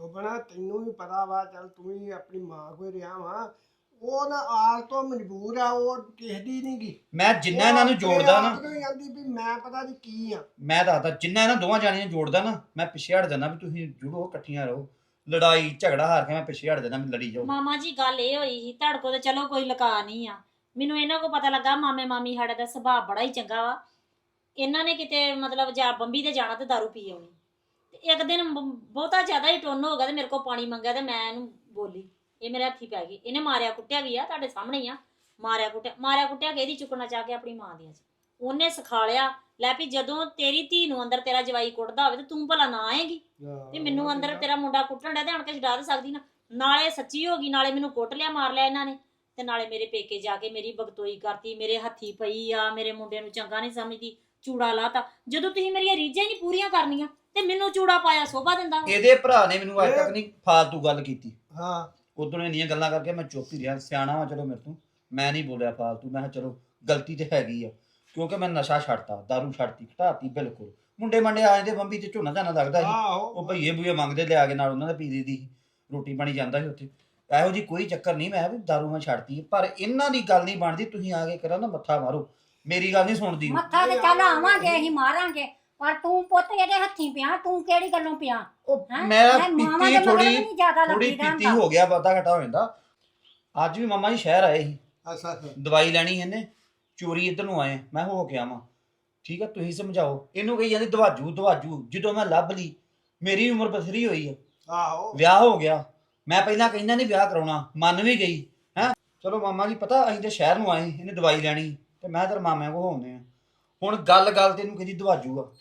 S4: ਤੈਨੂੰ ਵੀ ਪਤਾ ਵਾ ਚੱਲ ਤੂੰ ਵੀ ਆਪਣੀ ਮਾਂ ਕੋਈ ਰਿਹਾ ਵਾ ਉਹ ਨਾ ਆਲ ਤੋਂ ਮਜਬੂਰ ਆ ਉਹ ਕਿਸੇ ਦੀ ਨਹੀਂ ਗੀ
S3: ਮੈਂ ਜਿੰਨਾ ਇਹਨਾਂ ਨੂੰ ਜੋੜਦਾ ਨਾ
S4: ਜਾਂਦੀ ਵੀ ਮੈਂ ਪਤਾ ਨਹੀਂ ਕੀ ਆ
S3: ਮੈਂ ਦੱਸਦਾ ਜਿੰਨਾ ਇਹਨਾਂ ਦੋਵਾਂ ਜਾਣੀਆਂ ਨੂੰ ਜੋੜਦਾ ਨਾ ਮੈਂ ਪਿੱਛੇ ਹਟ ਜਾਂਦਾ ਵੀ ਤੁਸੀਂ ਜੁੜੋ ਇਕੱਠੀਆਂ ਰਹੋ ਲੜਾਈ ਝਗੜਾ ਹਾਰ ਕੇ ਮੈਂ ਪਿੱਛੇ ਹਟ ਜਾਂਦਾ ਵੀ ਲੜੀ ਜਾਓ।
S1: ਮਾਮਾ ਜੀ ਗੱਲ ਇਹ ਹੋਈ ਸੀ ਤੁਹਾਡੇ ਕੋਲ ਤੇ ਚਲੋ ਕੋਈ ਲੁਕਾ ਨਹੀਂ ਆ, ਮੈਨੂੰ ਇਹਨਾਂ ਕੋ ਪਤਾ ਲੱਗਾ ਮਾਮੇ ਮਾਮੀ ਸਾਡੇ ਦਾ ਸੁਭਾਅ ਬੜਾ ਹੀ ਚੰਗਾ ਵਾ। ਇਹਨਾਂ ਨੇ ਕਿਤੇ ਮਤਲਬ ਜਾਂ ਬੰਬੀ ਤੇ ਜਾਣਾ ਤੇ ਦਾਰੂ ਪੀ ਆਉਣੀ ਤੇ ਇੱਕ ਦਿਨ ਬਹੁਤਾ ਜ਼ਿਆਦਾ ਹੀ ਟੁੰਨ ਹੋ ਗਿਆ ਤੇ ਮੇਰੇ ਕੋਲ ਪਾਣੀ ਮੰਗਿਆ ਤੇ ਮੈਂ ਇਹਨੂੰ ਬੋਲੀ, ਇਹ ਮੇਰੇ ਹੱਥੀ ਪੈ ਗਈ। ਇਹਨੇ ਮਾਰਿਆ ਕੁੱਟਿਆ ਵੀ ਆ, ਤੁਹਾਡੇ ਸਾਹਮਣੇ ਹੀ ਆ, ਮਾਰਿਆ ਕੁੱਟਿਆ ਕਿ ਇਹਦੀ ਚੁੱਕਣਾ ਚਾਹ ਕੇ ਆਪਣੀ ਮਾਂ ਦੀਆਂ ਚ ਉਹਨੇ ਸਿਖਾਲਿਆ ਲੈ ਵੀ ਜਦੋਂ ਤੇਰੀ ਧੀ ਨੂੰ ਅੰਦਰ ਤੇਰਾ ਜਵਾਈ ਕੁੱਟਦਾ ਹੋਵੇ ਤੇ ਤੂੰ ਭਲਾ ਨਾ ਆਏਗੀ ਤੇ ਮੈਨੂੰ ਅੰਦਰ ਤੇਰਾ ਮੁੰਡਾ ਕੁੱਟਣ ਡਿਆ ਤੇ ਆਣ ਕੇ ਛਡਾ ਸਕਦੀ ਨਾ। ਨਾਲੇ ਸੱਚੀ ਹੋ ਗਈ, ਨਾਲੇ ਮੈਨੂੰ ਕੁੱਟ ਲਿਆ ਮਾਰ ਲਿਆ ਇਹਨਾਂ ਨੇ ਤੇ ਨਾਲੇ ਮੇਰੇ ਪੇਕੇ ਜਾ ਕੇ ਮੇਰੀ ਬਗਤੋਈ ਕਰਤੀ, ਮੇਰੇ ਹੱਥੀ ਪਈ ਆ, ਮੇਰੇ ਮੁੰਡੇ ਨੂੰ ਚੰਗਾ ਨਹੀਂ ਸਮਝਦੀ, ਚੂੜਾ ਲਾਤਾ। ਜਦੋਂ ਤੁਸੀਂ ਮੇਰੀਆਂ ਰੀਝਾਂ ਹੀ ਨਹੀਂ ਪੂਰੀਆਂ ਕਰਨੀਆਂ ਤੇ ਮੈਨੂੰ ਚੂੜਾ ਪਾਇਆ ਸੋਭਾ ਦਿੰਦਾ।
S3: ਇਹਦੇ ਭਰਾ ਨੇ ਮੈਨੂੰ ਅੱਜ ਤੱਕ ਨਹੀਂ ਫਾਲਤੂ ਗੱਲ ਕੀਤੀ।
S4: ਹਾਂ
S3: ਉਦੋਂ ਇੰਨੀਆਂ ਗੱਲਾਂ ਕਰਕੇ ਮੈਂ ਚੁੱਪ ਹੀ ਰਿਹਾ, ਸਿਆਣਾ ਵਾ ਚਲੋ ਮੇਰੇ ਤੋਂ, ਮੈਂ ਨਹੀਂ ਬੋਲਿਆ ਫਾਲਤੂ। ਮੈਂ ਕਿਹਾ ਚਲੋ ਗਲਤੀ ਤੇ ਹੈਗੀ ਆ ਕਿਉਂਕਿ ਮੈਂ ਨਸ਼ਾ ਛੱਡਤਾ, ਦਾਰੂ ਛੱਡਤੀ, ਘਟਾਤੀ ਬਿਲਕੁਲ। ਮੁੰਡੇ ਮੰਡੇ ਆ ਜਾਂਦੇ ਬੰਬੀ ਤੇ ਝੋਨਾ ਝਾਨਾ ਲੱਗਦਾ ਸੀ, ਉਹ ਭਈਏ ਬੂਏ ਮੰਗਦੇ ਲਿਆ ਕੇ ਨਾਲ ਉਹਨਾਂ ਦਾ ਪੀ ਦੀ ਰੋਟੀ ਪਾਣੀ ਜਾਂਦਾ ਸੀ ਉੱਥੇ। ਇਹੋ ਜੀ ਕੋਈ ਚੱਕਰ ਨਹੀਂ, ਮੈਂ ਵੀ ਦਾਰੂ ਮੈਂ ਛੱਡਤੀ। ਪਰ ਇਹਨਾਂ ਦੀ ਗੱਲ ਨਹੀਂ ਬਣਦੀ, ਤੁਸੀਂ ਆ ਕੇ ਕਰਾਂ ਨਾ ਮੱਥਾ ਮਾਰੋ, ਮੇਰੀ ਗੱਲ ਨਹੀਂ ਸੁਣਦੀ।
S5: ਮੱਥਾ ਤੇ ਚੱਲ ਆਵਾਂਗੇ ਅਸੀਂ ਮਾਰਾਂਗੇ ਪਰ ਤੂੰ ਪੁੱਤ ਇਹਦੇ ਹੱਥੀਂ ਪਿਆ, ਤੂੰ ਕਿਹੜੀ ਗੱਲੋਂ ਪਿਆ?
S3: ਉਹ
S5: ਹੈਂ?
S3: ਮੈਂ
S5: ਮਾਵਾਂ ਦੇ
S3: ਪੀਤੀ
S5: ਮਗਰ ਵੀ ਨਹੀਂ ਜ਼ਿਆਦਾ
S3: ਥੋੜੀ
S5: ਲੱਗੀਦਾ
S3: ਪੀਤੀ
S5: ਹੁੰਦਾ।
S3: ਹੋ ਗਿਆ, ਵਾਧਾ ਘਟਾ ਹੋ ਜਾਂਦਾ। ਅੱਜ ਵੀ ਮਾਮਾ ਜੀ ਸ਼ਹਿਰ ਆਏ ਸੀ,
S4: ਅੱਛਾ ਅੱਛਾ
S3: ਦਵਾਈ ਲੈਣੀ ਇਹਨੇ, ਚੋਰੀ ਇੱਧਰ ਨੂੰ ਆਏ, ਮੈਂ ਹੋ ਕੇ ਆਵਾਂ। ਠੀਕ ਆ ਤੁਸੀਂ ਸਮਝਾਓ ਇਹਨੂੰ। ਕਹੀ ਜਾਂਦੀ ਦਵਾਜੂ ਜਦੋਂ ਮੈਂ ਲੱਭ ਲਈ, ਮੇਰੀ ਉਮਰ ਬਥੇਰੀ ਹੋਈ ਆ,
S4: ਆਹੋ
S3: ਵਿਆਹ ਹੋ ਗਿਆ। ਮੈਂ ਪਹਿਲਾਂ ਕਹਿੰਦਾ ਨਹੀਂ ਵਿਆਹ ਕਰਾਉਣਾ, ਮੰਨ ਵੀ ਗਈ ਹੈ। ਚਲੋ ਮਾਮਾ ਜੀ ਪਤਾ ਅਸੀਂ ਤੇ ਸ਼ਹਿਰ ਨੂੰ ਆਏ, ਇਹਨੇ ਦਵਾਈ ਲੈਣੀ ਤੇ ਮੈਂ ਤੇਰੇ ਮਾਮਿਆਂ ਕੋਲ ਹੋਣੇ ਆ। ਹੁਣ ਗੱਲ ਤੇ ਇਹਨੂੰ ਕਹਿੰਦੀ ਦਵਾਜੂ ਆ।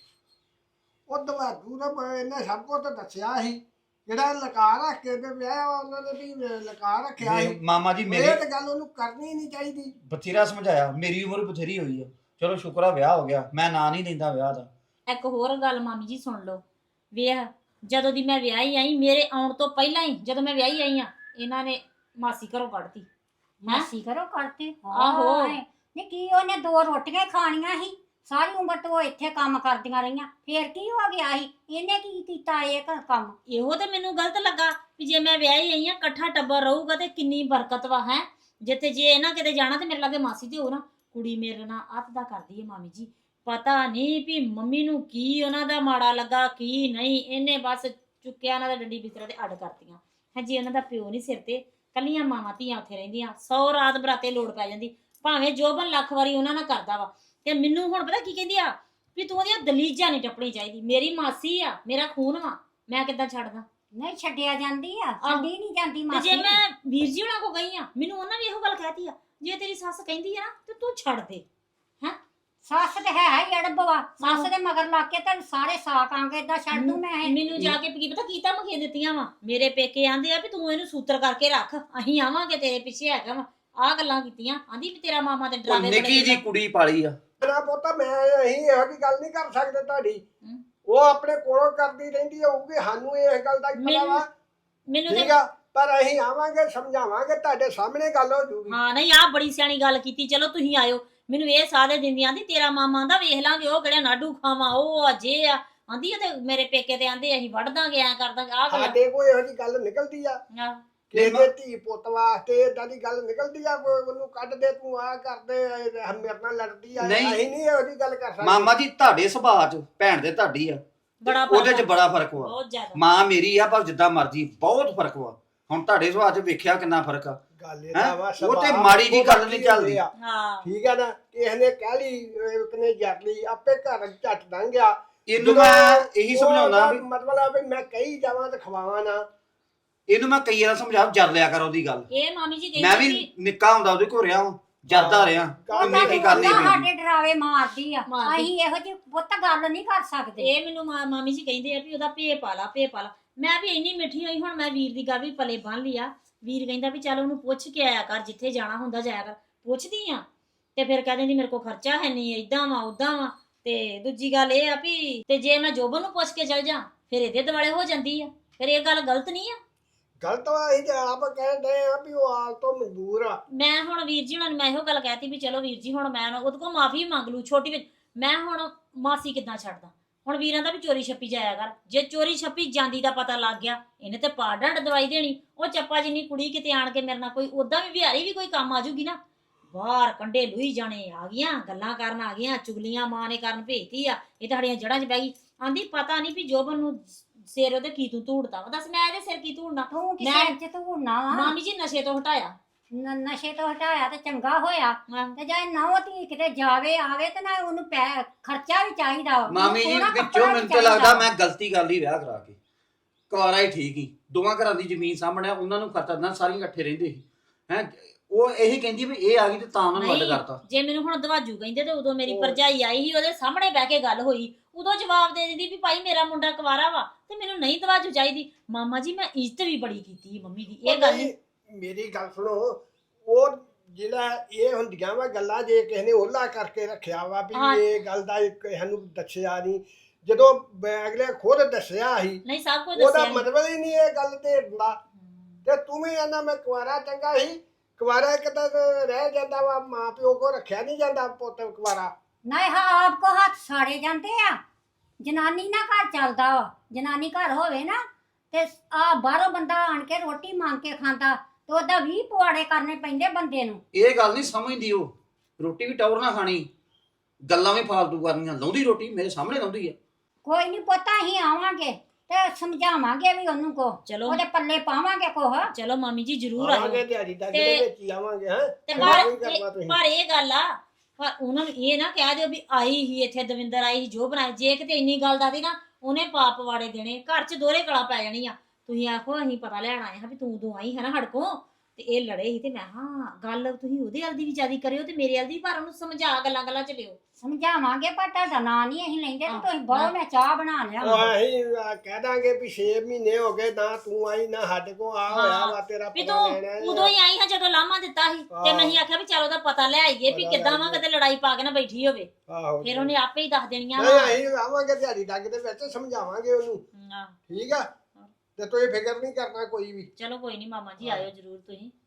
S4: ਉਹ ਦਵਾਜੂ ਦਾ ਇਹਨੇ ਸਭ ਕੁਝ ਤਾਂ ਦੱਸਿਆ ਸੀ, ਜਿਹੜਾ ਲਕਾ ਰੱਖ ਕੇ ਤੇ ਵਿਆਹ ਉਹਨਾਂ ਨੇ ਵੀ ਲਕਾ ਰੱਖਿਆ ਸੀ।
S3: ਮਾਮਾ ਜੀ
S4: ਇਹ
S3: ਮੇਰੀ
S4: ਤਾਂ ਗੱਲ ਉਹਨੂੰ ਕਰਨੀ ਨਹੀਂ ਚਾਹੀਦੀ।
S3: ਬਥੇਰਾ ਸਮਝਾਇਆ, ਮੇਰੀ ਉਮਰ ਬਥੇਰੀ ਹੋਈ ਆ। ਚਲੋ ਸ਼ੁਕਰ ਆ ਵਿਆਹ ਹੋ ਗਿਆ, ਮੈਂ ਨਾਂ ਨਹੀਂ ਲੈਂਦਾ ਵਿਆਹ ਦਾ।
S1: ਇੱਕ ਹੋਰ ਗੱਲ ਮਾਮੀ ਜੀ ਸੁਣ ਲਓ, ਵੇਖ ਜਦੋਂ ਦੀ ਮੈਂ ਵਿਆਹੀ ਆਈ, ਮੇਰੇ ਆਉਣ ਤੋਂ ਪਹਿਲਾਂ ਹੀ ਜਦੋਂ ਮੈਂ ਵਿਆਹੀ ਆਈ ਆ, ਇਹਨਾਂ ਨੇ ਮਾਸੀ ਘਰੋਂ ਕੱਢਤੀ।
S5: ਮਾਸੀ ਕਰੋ ਕਰਤੇ
S1: ਆਹੋ।
S5: ਨਹੀਂ ਕੀ ਉਹਨੇ 2 ਰੋਟੀਆਂ ਖਾਣੀਆਂ ਸੀ, ਸਾਰੀ ਉਮਰ ਤੋਂ ਉਹ ਇੱਥੇ ਕੰਮ ਕਰਦੀਆਂ ਰਹੀਆਂ, ਫੇਰ ਕੀ ਹੋ ਗਿਆ ਸੀ? ਇਹਨੇ ਕੀ ਕੀਤਾ ਇਹ ਕੰਮ?
S1: ਇਹੋ ਤੇ ਮੈਨੂੰ ਗਲਤ ਲੱਗਾ ਵੀ ਜੇ ਮੈਂ ਵਿਆਹੀ ਆਈ ਆ, ਇਕੱਠਾ ਟੱਬਰ ਰਹੂਗਾ ਤੇ ਕਿੰਨੀ ਬਰਕਤ ਵਾ ਹੈ। ਜਿੱਥੇ ਜੇ ਇਹਨਾਂ ਕਿਤੇ ਜਾਣਾ ਤੇ ਮੇਰੇ ਲਾਗੇ ਮਾਸੀ ਤੇ ਹੋ ਨਾ, ਕੁੜੀ ਮੇਰੇ ਨਾਲ ਅੱਤ ਦਾ ਕਰਦੀ ਹੈ ਮਾਮੀ ਜੀ। ਪਤਾ ਨਹੀਂ ਵੀ ਮੰਮੀ ਨੂੰ ਕੀ ਉਹਨਾਂ ਦਾ ਮਾੜਾ ਲੱਗਾ ਕੀ ਨਹੀਂ, ਇਹਨੇ ਬਸ ਚੁੱਕਿਆ ਉਹਨਾਂ ਦਾ ਡੰਡੀ ਬਿਸਤਰਾ ਤੇ ਅੱਡ ਕਰਤੀਆਂ। ਹਾਂਜੀ ਉਹਨਾਂ ਦਾ ਪਿਓ ਨਹੀਂ ਸਿਰ ਤੇ, ਕੱਲੀਆਂ ਮਾਵਾਂ ਧੀਆਂ ਉੱਥੇ ਰਹਿੰਦੀਆਂ, 100 ਰਾਤ ਬਰਾਤੇ ਲੋੜ ਪੈ ਜਾਂਦੀ, ਭਾਵੇਂ ਜੋਬਨ ਲੱਖ ਵਾਰੀ ਉਹਨਾਂ ਨਾਲ ਕਰਦਾ ਵਾ। ਤੇ ਮੈਨੂੰ ਹੁਣ ਪਤਾ ਕੀ ਕਹਿੰਦੀ ਆ ਵੀ ਤੂੰ ਉਹਦੀਆਂ ਦਲੀਜਾਂ ਨਹੀਂ ਟੱਪਣੀ ਚਾਹੀਦੀ, ਮੇਰੀ ਮਾਸੀ ਆ, ਮੇਰਾ ਖੂਨ ਵਾ, ਮੈਂ ਕਿੱਦਾਂ ਛੱਡਦਾ?
S5: ਨਹੀਂ ਛੱਡਿਆ ਜਾਂਦੀ ਆ, ਛੱਡੀ ਨਹੀਂ ਜਾਂਦੀ
S1: ਤੇ
S5: ਮਾਸੀ।
S1: ਜੇ ਮੈਂ ਵੀਰ ਜੀ ਹੁਣਾਂ ਕੋ ਗਈ ਆ, ਮੈਨੂੰ ਉਹਨਾਂ ਵੀ ਇਹੋ ਗੱਲ ਕਹਿਤੀ ਆ, ਜੇ ਤੇਰੀ ਸੱਸ ਕਹਿੰਦੀ ਆ ਨਾ ਤੇ ਤੂੰ ਛੱਡ ਦੇ।
S5: ਸੱਸ ਤੇ ਹੈ ਹੀ ਅੜਬਵਾ, ਸੱਸ ਦੇ ਮਗਰ ਲੱਗ ਕੇ ਤੈਨੂੰ ਸਾਰੇ ਸਾਕ ਆਂਗੇ ਏਦਾਂ ਛੱਡ ਦੂੰ ਮੈਂ ਇਹ।
S1: ਮੈਨੂੰ ਜਾ ਕੇ ਕੀ ਪਤਾ ਕੀ ਧਮਕੀਆਂ ਦਿੱਤੀਆਂ ਵਾ। ਮੇਰੇ ਪੇਕੇ ਆਂਦੇ ਆ ਵੀ ਤੂੰ ਇਹਨੂੰ ਸੂਤਰ ਕਰਕੇ ਰੱਖ, ਅਸੀਂ ਆਵਾਂਗੇ ਤੇਰੇ ਪਿੱਛੇ ਹੈਗਾ ਵਾ। ਆਹ ਗੱਲਾਂ ਕੀਤੀਆਂ, ਆਂਦੀ ਵੀ ਤੇਰਾ ਮਾਮਾ ਤੇ ਡਰਾਵੇ
S3: ਨਿੱਕੀ ਜੀ ਕੁੜੀ ਪਾਲੀ ਆ।
S4: ਮੇਰਾ ਪੁੱਤ ਮੈਂ ਅਸੀਂ ਇਹੋ ਜਿਹੀ ਗੱਲ ਨਹੀਂ ਕਰ ਸਕਦੇ ਤੁਹਾਡੀ।
S1: ਹਮ।
S4: ਉਹ ਆਪਣੇ ਕੋਲੋਂ ਕਰਦੀ ਰਹਿੰਦੀ ਹੋਊਗੀ, ਸਾਨੂੰ ਇਹ ਗੱਲ ਦਾ ਹੀ ਪਤਾ ਵਾ।
S1: ਮੈਨੂੰ
S4: ਠੀਕ
S1: ਤੇ
S4: ਆ, ਪਰ ਅਸੀਂ ਆਵਾਂਗੇ ਸਮਝਾਵਾਂਗੇ, ਤੁਹਾਡੇ ਸਾਹਮਣੇ ਗੱਲ ਹੋ ਜੂਗੀ।
S1: ਹਾਂ ਨਹੀਂ ਆਹ ਬੜੀ ਸਿਆਣੀ ਗੱਲ ਕੀਤੀ। ਚਲੋ ਤੁਸੀਂ ਆਇਓ, ਮੈਨੂੰ ਇਹ ਸਾਦੇ ਦਿੰਦੀ ਆਂਦੀ ਤੇਰਾ ਮਾਮਾ ਆਂਦਾ ਵੇਖ ਲਾਂਗੇ ਉਹ ਕਿਹੜਾ ਨਾਡੂ ਖਾਵਾਂ ਉਹ ਅਜੇ ਆ, ਆਂਦੀ ਆ ਤੇ ਮੇਰੇ ਪੇਕੇ ਤੇ ਆਂਦੇ ਅਸੀਂ ਵੜ ਦਾਂਗੇ ਐ ਕਰ ਦਾਂਗੇ। ਆਹ ਗੱਲ
S4: ਸਾਡੇ ਕੋਈ ਇਹੋ ਜਿਹੀ ਗੱਲ ਨਿਕਲਦੀ ਆ ਕਿਸੇ ਦੇ ਧੀ ਪੁੱਤ ਵਾਸਤੇ, ਏਦਾਂ ਦੀ ਗੱਲ ਨਿਕਲਦੀ ਆ ਕੋਈ ਉਹਨੂੰ ਕੱਢ ਦੇ, ਤੂੰ ਆ ਕਰਦੇ ਮੇਰੇ ਨਾਲ ਲੜਦੀ ਆ।
S3: ਨਹੀਂ।
S4: ਅਸੀਂ ਨਹੀਂ ਇਹੋ ਜਿਹੀ ਗੱਲ ਕਰ ਸਕਦੇ।
S3: ਮਾਮਾ ਜੀ ਤੁਹਾਡੇ ਸੁਭਾਅ ਚ ਭੈਣ ਦੇ ਤੁਹਾਡੀ ਆ,
S1: ਬੜਾ
S3: ਉਹਦੇ ਚ
S1: ਫਰਕ
S3: ਬੜਾ ਫਰਕ ਵਾ।
S1: ਬਹੁਤ ਜ਼ਿਆਦਾ।
S3: ਮਾਂ ਮੇਰੀ ਆ ਪਰ ਜਿੱਦਾਂ ਮਰਜੀ, ਬਹੁਤ ਫਰਕ ਵਾ। ਹੁਣ ਤੁਹਾਡੇ ਸੁਭਾਅ ਚ ਵੇਖਿਆ ਕਿੰਨਾ ਫਰਕ ਆ।
S4: ਗੱਲ ਇਹਦਾ ਵਾ,
S3: ਉਹ ਤੇ
S4: ਸੁਭਾਅ
S3: ਮਾੜੀ ਜੀ ਗੱਲ
S4: ਉਹ
S3: ਨਹੀਂ ਚੱਲਦੀ।
S4: ਆ।
S1: ਹਾਂ
S4: ਠੀਕ ਆ ਨਾ, ਕਿਸੇ ਨੇ ਕਹਿ ਲਈ ਇੱਕ ਨੇ ਜੱਟ ਲਈ ਆਪੇ ਘਰ ਝੱਟ ਲੰਘ ਗਿਆ।
S3: ਇਹਨੂੰ ਮੈਂ ਇਹੀ ਸਮਝਾਉਂਦਾ ਵੀ
S4: ਮਤਲਬ ਆ ਵੀ ਮੈਂ ਕਹੀ ਜਾਵਾਂ ਤੇ ਖਵਾਵਾਂ ਨਾ।
S3: ਇਹਨੂੰ ਮੈਂ ਕਈ ਵਾਰ ਸਮਝਾ ਜਰ ਲਿਆ ਕਰ ਉਹਦੀ ਗੱਲ।
S1: ਇਹ ਮਾਮੀ ਜੀ
S3: ਮੈਂ
S1: ਕਹਿੰਦੀ
S3: ਵੀ ਨਿੱਕਾ ਹੁੰਦਾ ਉਹਦੇ ਕੋਲ ਰਿਹਾ ਵਾਂ, ਜਰਦਾ ਰਿਹਾ ਉਹਨੇ ਕੀ ਕਰਨੀ
S5: ਉਹਨਾਂ
S3: ਪੈਂਦੀ।
S5: ਸਾਡੇ ਡਰਾਵੇ ਮਾਰਦੀ ਆ,
S1: ਮਾਰਦੀ।
S5: ਅਸੀਂ ਇਹੋ ਜਿਹੀ ਪੁੱਤ ਗੱਲ ਨਹੀਂ ਕਰ ਸਕਦੇ।
S1: ਇਹ ਮੈਨੂੰ ਮਾਮੀ ਜੀ ਕਹਿੰਦੇ ਆ ਵੀ ਉਹਦਾ ਭੇ ਪਾ ਲਾ। ਮੈਂ ਵੀ ਇੰਨੀ ਮਿੱਠੀ ਹੋਈ, ਹੁਣ ਮੈਂ ਵੀਰ ਦੀ ਗੱਲ ਵੀ ਪਲੇ ਬੰਨ ਲਈ ਆ। ਵੀਰ ਕਹਿੰਦਾ ਵੀ ਚੱਲ ਉਹਨੂੰ ਪੁੱਛ ਕੇ ਆਇਆ ਕਰ, ਜਿੱਥੇ ਜਾਣਾ ਹੁੰਦਾ ਜਾਇਆ ਕਰ। ਪੁੱਛਦੀ ਆ ਤੇ ਫਿਰ ਕਹਿ ਦਿੰਦੀ ਮੇਰੇ ਕੋਲ ਖਰਚਾ ਹੈ ਨਹੀਂ, ਏਦਾਂ ਵਾ ਉਦਾਂ ਵਾ। ਤੇ ਦੂਜੀ ਗੱਲ ਇਹ ਆ ਵੀ ਤੇ ਜੇ ਮੈਂ ਜੋਬਨ ਨੂੰ ਪੁੱਛ ਕੇ ਚਲ ਜਾ ਫਿਰ ਇਹਦੇ ਦੁਆਲੇ ਹੋ ਜਾਂਦੀ ਆ। ਫਿਰ ਇਹ ਗੱਲ ਗਲਤ ਨਹੀਂ ਆ।
S4: ਗਲਤ ਵਾ, ਅਸੀਂ ਤੇ ਆਪ ਕਹਿੰਦੇ ਆ ਵੀ ਉਹ ਆਲ ਤੋਂ ਮਜਬੂਰ ਆ।
S1: ਮੈਂ ਹੁਣ ਵੀਰ ਜੀ ਹੁਣਾਂ ਨੂੰ ਮੈਂ ਇਹੋ ਗੱਲ ਕਹਿਤੀ ਵੀ ਚਲੋ ਵੀਰ ਜੀ ਹੁਣ ਮੈਂ ਉਹਦੇ ਕੋਲ ਮਾਫੀ ਮੰਗ ਲੂ ਛੋਟੀ ਵਿੱਚ। ਮੈਂ ਹੁਣ ਮਾਸੀ ਕਿੱਦਾਂ ਛੱਡਦਾ? ਹੁਣ ਵੀਰਾਂ ਦਾ ਵੀ ਚੋਰੀ ਛੱਪੀ ਜਾਇਆ ਕਰ। ਜੇ ਚੋਰੀ ਛੱਪੀ ਜਾਂਦੀ ਦਾ ਪਤਾ ਲੱਗ ਗਿਆ, ਇਹਨੇ ਤੇ ਪਾ ਡੰਡ ਦਵਾਈ ਦੇਣੀ। ਉਹ ਚੱਪਾ ਜਿੰਨੀ ਕੁੜੀ ਕਿਤੇ ਆਣ ਕੇ ਮੇਰੇ ਨਾਲ ਕੋਈ ਉਦਾਂ ਵੀ ਵਿਹਾਰੀ ਵੀ ਕੋਈ ਕੰਮ ਆਜੂਗੀ ਨਾ, ਬਾਹਰ ਕੰਡੇ ਲੁਈ ਜਾਣੇ, ਆ ਗਈਆਂ ਗੱਲਾਂ ਕਰਨ, ਆ ਗਈਆਂ ਚੁਗਲੀਆਂ ਮਾਂ ਨੇ ਕਰਨ ਭੇਜਤੀ ਆ, ਇਹ ਤੁਹਾਡੀਆਂ ਜੜ੍ਹਾਂ 'ਚ ਬਹਿ ਗਈ। ਆਂਦੀ ਪਤਾ ਨਹੀਂ ਵੀ ਜੋਬਨ ਨੂੰ ਸਿਰ ਉਹਦੇ ਕੀ ਤੂੰ ਧੂੜਦਾ ਵਾ। ਦੱਸ ਮੈਂ ਇਹਦੇ ਸਿਰ ਕੀ ਧੂੜਨਾ?
S5: ਤੂੰ ਕਿਸੇ ਚ ਧੂੜਨਾ ਵਾ?
S1: ਮਾਮੀ ਜੀ ਨਸ਼ੇ ਤੋਂ ਹਟਾਇਆ।
S5: ਨਸ਼ੇ ਤੋਂ ਹਟਾਇਆ ਤੇ ਚੰਗਾ ਹੋਇਆ। ਤੇ ਜੇ ਨੌ ਧੀ ਕਿਤੇ ਜਾਵੇ ਆਵੇ ਤੇ ਨਾ ਉਹਨੂੰ ਖਰਚਾ ਵੀ ਚਾਹੀਦਾ ਵਾ।
S6: ਮਾਮੀ ਜੀ
S5: ਸੋਹਣਾ
S6: ਵਿੱਚੋਂ
S5: ਕੱਪੜਾ ਵੀ
S6: ਮੈਨੂੰ ਤਾਂ
S5: ਚਾਹੀਦਾ।
S6: ਲੱਗਦਾ ਮੈਂ ਗਲਤੀ ਕਰ ਲਈ ਵਿਆਹ ਕਰਾ ਕੇ। ਕੁਆਰਾ ਹੀ ਠੀਕ ਹੀ, ਦੋਵਾਂ ਘਰਾਂ ਦੀ ਜ਼ਮੀਨ ਸਾਹਮਣੇ, ਉਹਨਾਂ ਨੂੰ ਖਰਚਾ ਦਿੰਦਾ, ਸਾਰੀਆਂ ਇਕੱਠੇ ਰਹਿੰਦੇ ਸੀ ਹੈ। ਉਹ ਇਹੀ ਕਹਿੰਦੀ ਵੀ ਇਹ ਆ ਗਈ ਤੇ ਤਾਂ ਉਹਨਾਂ ਨੂੰ ਅੱਡ ਕਰਤਾ।
S1: ਜੇ ਮੈਨੂੰ ਹੁਣ ਦਵਾਜੂ ਕਹਿੰਦੇ ਤੇ ਉਦੋਂ ਮੇਰੀ ਭਰਜਾਈ ਆਈ ਸੀ, ਉਹਦੇ ਸਾਹਮਣੇ ਬਹਿ ਕੇ ਗੱਲ ਹੋਈ, ਉਦੋਂ ਜਵਾਬ ਦੇ ਦਿੰਦੀ ਵੀ ਭਾਈ ਮੇਰਾ ਮੁੰਡਾ ਕੁਵਾਰਾ ਵਾ ਤੇ ਮੈਨੂੰ ਨਹੀਂ ਦਵਾਜੂ ਚਾਹੀਦੀ। ਮਾਮਾ ਜੀ ਮੈਂ ਇੱਜ਼ਤ ਵੀ ਬੜੀ ਕੀਤੀ ਮੰਮੀ ਦੀ, ਇਹ ਗੱਲ ਨਹੀਂ।
S4: ਮੇਰੀ ਗੱਲ ਸੁਣੋ, ਉਹ ਜਿਹੜਾ ਇਹ ਹੁੰਦੀਆਂ ਵਾ ਗੱਲਾਂ, ਜੇ ਕਿਸੇ ਨੇ ਓਲਾ ਕਰਕੇ ਰੱਖਿਆ ਵਾ ਵੀ ਇਹ ਗੱਲ ਦਾ ਸਾਨੂੰ ਦੱਸਿਆ ਨਹੀਂ, ਜਦੋਂ ਅਗਲੇ ਖੁਦ ਦੱਸਿਆ ਸੀ
S1: ਨਹੀਂ ਸਭ ਕੁਝ
S4: ਉਹਦਾ
S1: ਦੱਸਿਆ
S4: ਮਤਲਬ ਹੀ ਨਹੀਂ ਇਹ ਗੱਲ ਤੇ ਦਾ। ਤੇ ਤੂੰ ਵੀ ਕਹਿੰਦਾ ਮੈਂ ਕੁਵਾਰਾ ਚੰਗਾ ਸੀ। ਕੁਵਾਰਾ ਇੱਕ ਤਾਂ ਰਹਿ ਜਾਂਦਾ ਵਾ, ਮਾਂ ਪਿਓ ਕੋ ਰੱਖਿਆ ਨਹੀਂ ਜਾਂਦਾ ਪੁੱਤ ਕੁਵਾਰਾ।
S5: ਨਹੀਂ ਹਾਂ ਆਪ ਕੋ ਹੱਥ ਸਾੜੇ ਜਾਂਦੇ ਆ। ਜਨਾਨੀ ਨਾ ਘਰ ਚੱਲਦਾ ਵਾ, ਜਨਾਨੀ ਘਰ ਹੋਵੇ ਨਾ ਤੇ ਆ ਬਾਹਰੋਂ ਬੰਦਾ ਆਣ ਕੇ ਰੋਟੀ ਮੰਗ ਕੇ ਖਾਂਦਾ ਤੇ ਉਹਦਾ 20 ਪੁਆੜੇ ਕਰਨੇ ਪੈਂਦੇ ਬੰਦੇ ਨੂੰ।
S6: ਇਹ ਗੱਲ ਨਹੀਂ ਸਮਝਦੀ ਉਹ। ਰੋਟੀ ਵੀ ਟੌਰ ਨਾ ਖਾਣੀ, ਗੱਲਾਂ ਵੀ ਫਾਲਤੂ ਕਰਨੀਆਂ। ਲਾਉਂਦੀ ਰੋਟੀ ਮੇਰੇ ਸਾਹਮਣੇ ਲਾਉਂਦੀ ਆ।
S5: ਕੋਈ ਨਹੀਂ ਪੁੱਤ ਅਸੀਂ ਆਵਾਂਗੇ ਤੇ ਸਮਝਾਵਾਂਗੇ ਵੀ ਉਹਨੂੰ ਕੋ,
S1: ਚਲੋ
S5: ਉਹਦੇ ਪੱਲੇ ਪਾਵਾਂਗੇ ਕੋਹ।
S1: ਚਲੋ ਮਾਮੀ ਜੀ ਜ਼ਰੂਰ
S4: ਆਵਾਂਗੇ
S1: ਆਇਓ।
S4: ਦਿਹਾੜੀ ਤੱਕ ਦੇ ਵਿੱਚ ਹੀ ਆਵਾਂਗੇ। ਹਾਂ
S1: ਤੇ
S4: ਤੁਸੀਂ
S1: ਪਰ ਇਹ ਗੱਲ ਆ, ਪਰ ਉਹਨਾਂ ਨੂੰ ਇਹ ਨਾ ਕਹਿ ਦਿਓ ਵੀ ਆਈ ਹੀ ਇੱਥੇ ਦਵਿੰਦਰ ਆਈ ਸੀ ਜੋ ਬਣਾਏ। ਜੇ ਕਿਤੇ ਇੰਨੀ ਗੱਲ ਦੱਸਦੀ ਨਾ, ਉਹਨੇ ਪਾਪ ਵਾੜੇ ਦੇਣੇ, ਘਰ 'ਚ ਦੋਹਰੇ ਕਲਾ ਪੈ ਜਾਣੀ ਆ। ਤੁਸੀਂ ਆਖੋ ਅਸੀਂ ਪਤਾ ਲੈਣ ਆਏ ਹਾਂ ਵੀ ਤੂੰ ਉਦੋਂ ਆਈ ਹੈ ਨਾ ਸਾਡੇ ਕੋਲ ਤੇ ਇਹ ਲੜੇ ਸੀ, ਤੇ ਮੈਂ ਹਾਂ ਗੱਲ ਤੁਸੀਂ ਉਹਦੇ ਵੱਲ ਦੀ ਵੀ ਜ਼ਿਆਦਾ ਕਰਿਓ ਤੇ ਮੇਰੇ ਵੱਲ ਦੀ, ਪਰ ਉਹਨੂੰ ਸਮਝਾ ਗੱਲਾਂ 'ਚ ਲਿਓ।
S5: ਸਮਝਾਵਾਂਗੇ ਪਰ ਤੁਹਾਡਾ ਨਾਂ ਨਹੀਂ ਅਸੀਂ ਲੈਂਦੇ ਤੇ ਤੁਸੀਂ ਬਹੁਤ ਮੈਂ ਚਾਹ ਬਣਾ ਲਿਆ।
S4: ਅਸੀਂ ਕਹਿ ਦਾਂਗੇ ਵੀ 6 ਮਹੀਨੇ ਹੋ ਗਏ ਨਾ ਤੂੰ ਆਈ ਨਾ ਸਾਡੇ ਕੋਲ ਆ ਹੋਇਆ ਵਾ ਤੇਰਾ
S1: ਵੀ
S4: ਪਤਾ
S1: ਤੂੰ
S4: ਲੈਣਾ
S1: ਉਦੋਂ ਹੀ ਆਈ ਹਾਂ ਜਦੋਂ ਲਾਮਾ ਦਿੱਤਾ ਸੀ, ਤੇ ਮੈਂ ਹੀ ਆਖਿਆ ਵੀ ਚਲ ਉਹਦਾ ਪਤਾ ਲੈ ਆਈਏ ਵੀ ਕਿੱਦਾਂ ਵਾ, ਕਿਤੇ ਲੜਾਈ ਪਾ ਕੇ ਨਾ ਬੈਠੀ ਹੋਵੇ।
S4: ਆਹੋ
S1: ਫਿਰ ਉਹਨੇ ਆਪੇ ਹੀ ਦੱਸ ਦੇਣੀਆਂ
S4: ਨਹੀਂ ਅਸੀਂ ਆਵਾਂਗੇ ਦਿਹਾੜੀ ਤੱਕ ਦੇ ਵਿੱਚ ਸਮਝਾਵਾਂਗੇ ਉਹਨੂੰ।
S1: ਹਾਂ,
S4: ਠੀਕ ਆ, ਤੇ ਤੁਸੀਂ ਫਿਕਰ ਨਹੀਂ ਕਰਨਾ ਕੋਈ ਵੀ।
S1: ਚਲੋ ਕੋਈ ਨਹੀਂ ਮਾਮਾ ਜੀ ਆਇਓ ਜ਼ਰੂਰ ਤੁਸੀਂ।